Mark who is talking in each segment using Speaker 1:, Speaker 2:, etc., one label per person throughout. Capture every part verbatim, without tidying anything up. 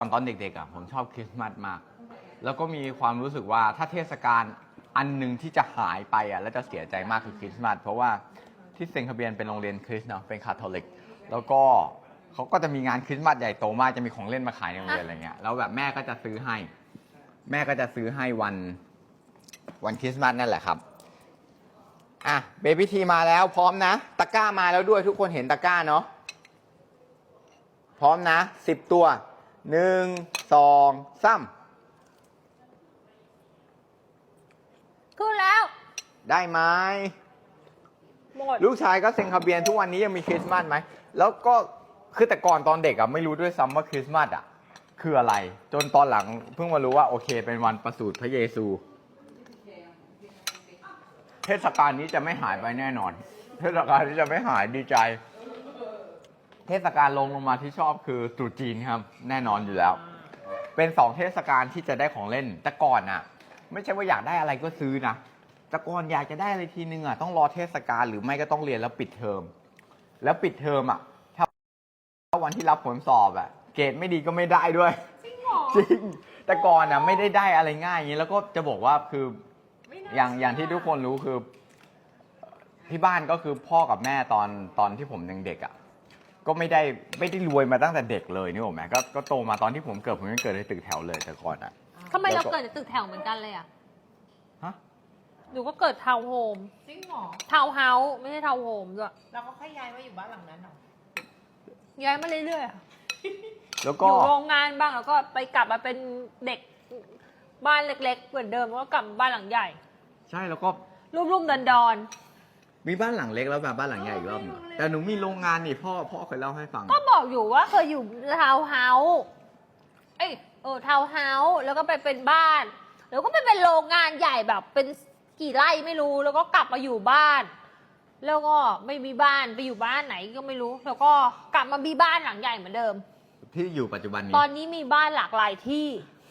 Speaker 1: ตอนเด็กๆอ่ะผมชอบคริสต์มาสมากแล้วก็มีความรู้สึกว่าถ้าเทศกาลอันหนึ่งที่จะหายไปอ่ะแล้วจะเสียใจมากคือคริสต์มาสเพราะว่าที่เซนต์คาเบียนเป็นโรงเรียนคริสต์เนาะเป็นคาทอลิกแล้วก็เขาก็จะมีงานคริสต์มาสใหญ่โตมากจะมีของเล่นมาขายในโรงเรียนอะไรเงี้ยแล้วแบบแม่ก็จะซื้อให้แม่ก็จะซื้อให้วันวันคริสต์มาสนั่นแหละครับอ่ะเบบี้ทีมาแล้วพร้อมนะตะกร้ามาแล้วด้วยทุกคนเห็นตะกร้าเนาะพร้อมนะสิบตัวหนึ่งสองสาม
Speaker 2: ขึ้นแล้ว
Speaker 1: ได้ไหม
Speaker 2: หมด
Speaker 1: ลูกชายก็เซ็นคาเบียนทุกวันนี้ยังมีคริสต์มาสไหมแล้วก็คือแต่ก่อนตอนเด็กอะไม่รู้ด้วยซ้ำว่าคริสต์มาสอะคืออะไรจนตอนหลังเพิ่งมารู้ว่าโอเคเป็นวันประสูติพระเยซูเทศกาลนี้จะไม่หายไปแน่นอนเทศกาลนี้จะไม่หายดีใจเทศกาลลงลงมาที่ชอบคือตรุษจีนครับแน่นอนอยู่แล้วเป็นสองเทศกาลที่จะได้ของเล่นแต่ก่อนอะไม่ใช่ว่าอยากได้อะไรก็ซื้อนะแต่ก่อนอยากจะได้อะไรทีนึงอะต้องรอเทศกาลหรือไม่ก็ต้องเรียนแล้วปิดเทอมแล้วปิดเทอมอะถ้าวันที่รับผลสอบอะเกรดไม่ดีก็ไม่ได้ด้วย
Speaker 2: จริงหรอ
Speaker 1: จริงแต่ก่อนอะไม่ได้ได้อะไรง่ายอย่างนี้แล้วก็จะบอกว่าคืออย่างอย่างที่ทุกคนรู้คือที่บ้านก็คือพ่อกับแม่ตอนตอนที่ผมยังเด็กอะก็ไม่ได้ไม่ได้รวยมาตั้งแต่เด็กเลยนี่ผมแม่ก็ก็โตมาตอนที่ผมเกิดผมยังเกิดในตึกแถวเลยแต่ก่อนอะ
Speaker 2: ทำไมเราเกิดในตึกแถวเหมือนกันเลยอะ
Speaker 1: ฮะ
Speaker 2: หนูก็เกิดทาวน์โฮม
Speaker 3: จริงเหรอ
Speaker 2: ทาวน์เฮาส์ไม่ใช่ทาวน์โฮมด้วย
Speaker 3: เราก็ค่อยย้ายมาอยู่บ้านหลังนั้นเหรอ
Speaker 2: ย้ายมาเรื่อย
Speaker 1: ๆแล้ว
Speaker 2: ก็อยู่โรงงานบ้างแล้วก็ไปกลับมาเป็นเด็กบ้านเล็กๆเหมือนเดิมแล้วก็กลับบ้านหลังใหญ่
Speaker 1: ใช่แล้วก็
Speaker 2: รุ่มๆดอน
Speaker 1: ๆมีบ้านหลังเล็กแล้วแบบบ้านหลังใหญ่อีกรอบนึงแต่หนูมีโรงงานนี่พ่อพ่อเคยเล่าให้ฟัง
Speaker 2: ก็บอกอยู่ว่าเคยอยู่ทาวน์เฮาส์เอ้ยเออทาวน์เฮาส์แล้วก็ไปเป็นบ้านแล้วก็ไปเป็นโรงงานใหญ่แบบเป็นกี่ไร่ไม่รู้แล้วก็กลับมาอยู่บ้านแล้วก็ไม่มีบ้านไปอยู่บ้านไหนก็ไม่รู้แล้วก็กลับมามีบ้านหลังใหญ่เหมือนเดิม
Speaker 1: ที่อยู่ปัจจุบันนี้
Speaker 2: ตอนนี้มีบ้านหลากหลายที่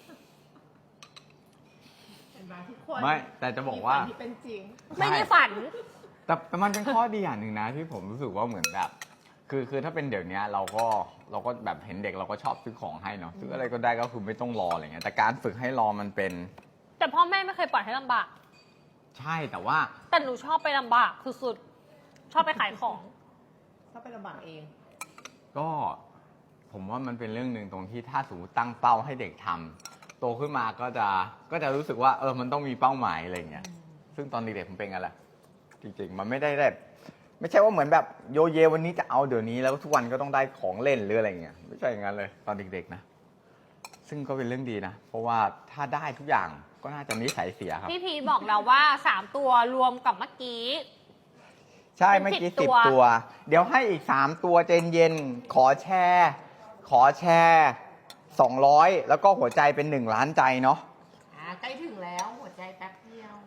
Speaker 1: ไม่แต่จะบอกว่า
Speaker 3: ที่เป็นจริง
Speaker 2: ไม่ได้ฝัน
Speaker 1: แต่แต่มันเป็นข้อดีอย่างหนึ่งนะที่ผมรู้สึกว่าเหมือนแบบคือคือถ้าเป็นเดี๋ยวนี้เราก็เราก็แบบเห็นเด็กเราก็ชอบซื้อของให้เนาะซื้ออะไรก็ได้ก็คือไม่ต้องรออะไรเงี้ยแต่การฝึกให้รอมันเป็น
Speaker 2: แต่พ่อแม่ไม่เคยปล่อยให้ลำบาก
Speaker 1: ใช่แต่ว่า
Speaker 2: แต่หนูชอบไปลำบากสุดๆชอบไปขายของ
Speaker 3: ชอบไปลำบากเอง
Speaker 1: ก็ผมว่ามันเป็นเรื่องหนึ่งตรงที่ถ้าสมมติตั้งเป้าให้เด็กทำโตขึ้นมาก็จะก็จะรู้สึกว่าเออมันต้องมีเป้าหมายอะไรเงี้ยซึ่งตอนเด็กๆผมเป็นไงล่ะจริงๆมันไม่ได้แบบไม่ใช่ว่าเหมือนแบบโยเยวันนี้จะเอาเดี๋ยวนี้แล้วทุกวันก็ต้องได้ของเล่นหรืออะไรเงี้ยไม่ใช่อย่างนั้นเลยตอนเด็กๆนะซึ่งก็เป็นเรื่องดีนะเพราะว่าถ้าได้ทุกอย่างก็น่าจะนิสัยเสียครับ
Speaker 2: พี่พีบอกเราว่าสามตัวรวมกับเมื่อกี้
Speaker 1: ใช่เมื่อกี้สิบตัวเดี๋ยวให้อีกสามตัวเจนเย็นขอแชร์ขอแชร์สองร้อยแล้วก็หัวใจเป็นหนึ่งล้านใจเนาะ
Speaker 3: อ่าใกล้ถึงแล้วหัวใจแป๊บเดียว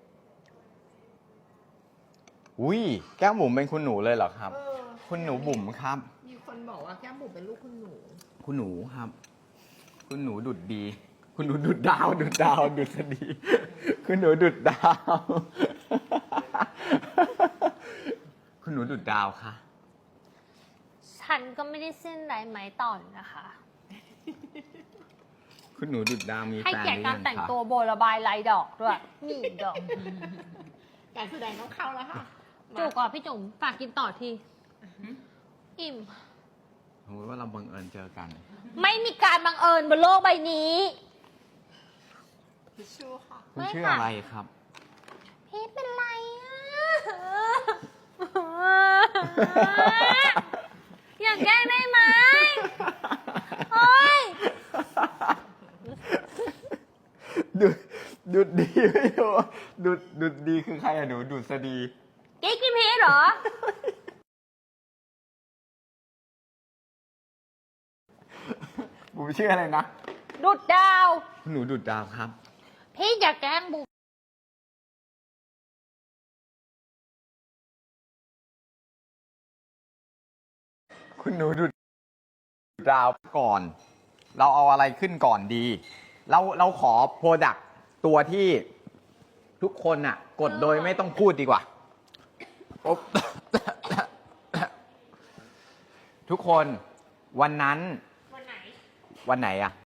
Speaker 1: อุ้ยแก้มบุ๋มเป็นคุณหนูเลยเหรอครับคุณหนูบุ๋มครับ
Speaker 3: มีคนบอกว่าแก้มบุ๋มเป็นลูกคุณหนู
Speaker 1: คุณหนูครับคุณหนูดุดดีคุณหนูดุดดาวดุดดาวดุษฎีคุณหนูดุดดาวคุณหนูดุดดาวค่ะ
Speaker 2: ฉันก็ไม่ได้เส้นไรไหมต่อนนะคะ
Speaker 1: คุณหนูดุดดาวมีแฟน
Speaker 2: ให้เกียรติการแต่งตัวโบระบายลายดอกด้วยนี่ดอก
Speaker 3: การแสดงต้องเข้าแล้วค่ะ
Speaker 2: จุกอ่ะพี่จุ๋มฝากกินต่อทีอิ่ม
Speaker 1: สมมติว่าเราบังเอิญเจอกัน
Speaker 2: ไม่มีการบังเอิญบนโลกใบนี้
Speaker 3: พี่ชื่อค่ะ
Speaker 1: คุณชื่ออะไรครับ
Speaker 2: พี่เป็นไรอ่ะอยากแกล้งได้ไหมโอ้ย
Speaker 1: ดุดดุดดีไม่รู้ดุดดุดดีคือใครอะหนูดุษฎี
Speaker 2: กิ๊กกินพีชเหรอ
Speaker 1: บุ๋มชื่ออะไรนะ
Speaker 2: ดุดดาว
Speaker 1: หนูดุดดาวครับ
Speaker 2: พี่อยากแกล้งบุ๋ม
Speaker 1: คุณหนูดุดดาวก่อนเราเอาอะไรขึ้นก่อนดีเราเราขอโปรดักต์ตัวที่ทุกคนน่ะกดโดยไม่ต้องพูดดีกว่าทุกคนวันนั้น
Speaker 2: วันไหน
Speaker 1: วันไหนอ่ะ